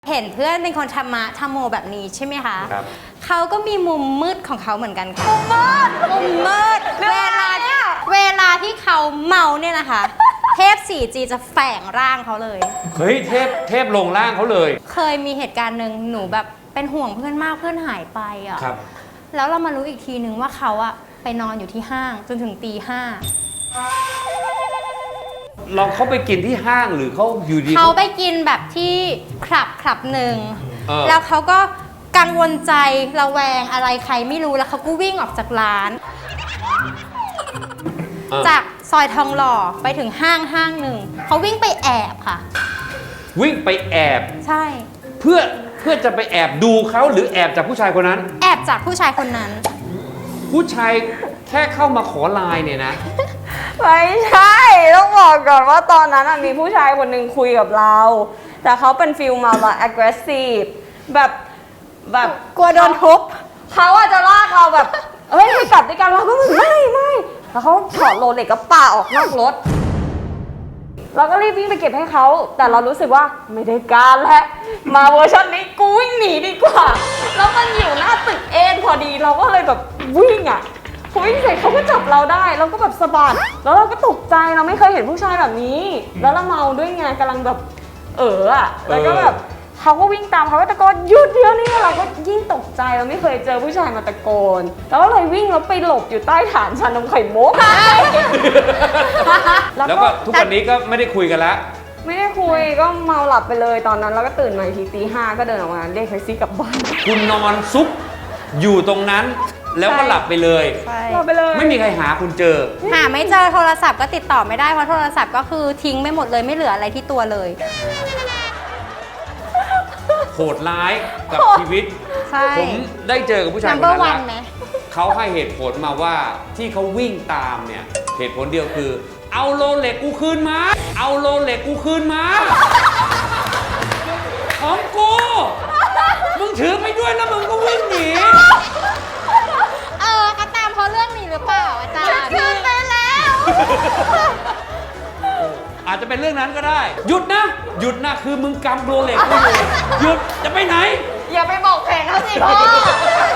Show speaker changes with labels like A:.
A: เห็นเพื่อนเป็นคนธรรมะธรรมโมแบบนี้ใช่ไหมคะ
B: ครับ
A: เขาก็มีมุมมืดของเขาเหมือนกันค่ะมุมมืดเวลาที่เขาเมาเนี่ยนะคะ เทพ 4G จะแฝงร่างเขาเลย
B: เฮ้ยเทพลงร่างเขาเลย
A: เคยมีเหตุการณ์หนึ่งหนูแบบเป็นห่วงเพื่อนมากเพื่อนหายไปอ่ะ
B: ครับ
A: แล้วเรามารู้อีกทีนึงว่าเขาอะไปนอนอยู่ที่ห้างจนถึงตี 5
B: เขาไปกินที่ห้างหรือเขาอยู่ดี
A: เขาไปกินแบบที่คลับหนึ่ง
B: เออ
A: แล้วเขาก็กังวลใจระแวงอะไรใครไม่รู้แล้วเขาก็วิ่งออกจากร้าน จากซอยทองหล่อไปถึงห้างหนึ่งเขาวิ่งไปแอบค่ะ
B: วิ่งไปแอบ
A: ใช่
B: เพื่อจะไปแอบดูเขาหรือแอบจากผู้ชายคนนั้น
A: แอบจากผู้ชายคนนั้น
B: ผู้ชายแค่เข้ามาขอไลน์เนี่ยนะ
C: ไม่ใช่ ต้องบอกก่อนว่าตอนนั้นมีผู้ชายคนหนึ่งคุยกับเรา แต่เขาเป็นฟิลมาแบบ aggressive แบบ
A: กลัวโดนทุบ
C: เขาอาจจะลากเราแบบ เฮ้ยไปกลับด้วยกันเราก็ไม่แล้วเขาถอดโรเล็กก็ป่าออกนอกรถ เราก็รีบวิ่งไปเก็บให้เขา แต่เรารู้สึกว่าไม่ได้การแล้วมาเวอร์ชันนี้กูวิ่งหนีดีกว่า แล้วมันอยู่หน้าตึกเอ็นพอดีเราก็เลยแบบวิ่งอ่ะพอวิ่งเสร็จเขาก็จับเราได้เราก็แบบสะบัดแล้วเราก็ตกใจเราไม่เคยเห็นผู้ชายแบบนี้ แล้วเราเมาด้วยไงกำลังแบบอ่ะแล้วก็แบบเขาก็วิ่งตามเขาก็ตะโกนหยุดเดี๋ยวนี้เราก็ยิ่งตกใจเราไม่เคยเจอผู้ชายมาตะโกนแล้วก็เลยวิ่งแล้วไปหลบอยู่ใต้ฐานชานมไข่มุก
B: แล้วก็ทุกวันนี้ก็ไม่ได้คุยกันแล้ว
C: ไม่ได้คุยก็เมาหลับไปเลยตอนนั้นแล้วก็ตื่นมาอีกทีตี 5ก็เดินออกมาเรียกแท็กซี่กลับบ้าน
B: คุณนอนซุกอยู่ตรงนั้น แล้วก็หลับไปเลย
A: ใช่
C: หลับไปเลย
B: ไม่มีใครหาคุณเจอ
A: หาไม่เจอโทรศัพท์ก็ติดต่อไม่ได้เพราะโทรศัพท์ก็คือทิ้งไม่หมดเลยไม่เหลืออะไรที่ตัวเลย
B: โหดร้ายกับชีวิต
A: ใช่
B: ผมได้เจอกับผู้ชายคน
A: number
B: นั้น
A: one ไหม
B: แล้วเขาให้เหตุผลมาว่าที่เขาวิ่งตามเนี่ยเหตุผลเดียวคือ เอาโรเล็กกูคืนมา เอาโรเล็กกูคืนมา ของกูมึงถือไปด้วยแล้วมึงก็วิ่งหนี
A: ก็ตามเพราะเรื่องนี้หรือเปล่าอาจารย์คืนไปแล้ว
B: อาจจะเป็นเรื่องนั้นก็ได้ หยุดนะคือมึงกำโรเล็กกูอยู่หยุดจะไปไหน
C: อย่าไปบอกแผนเขาสิพ่อ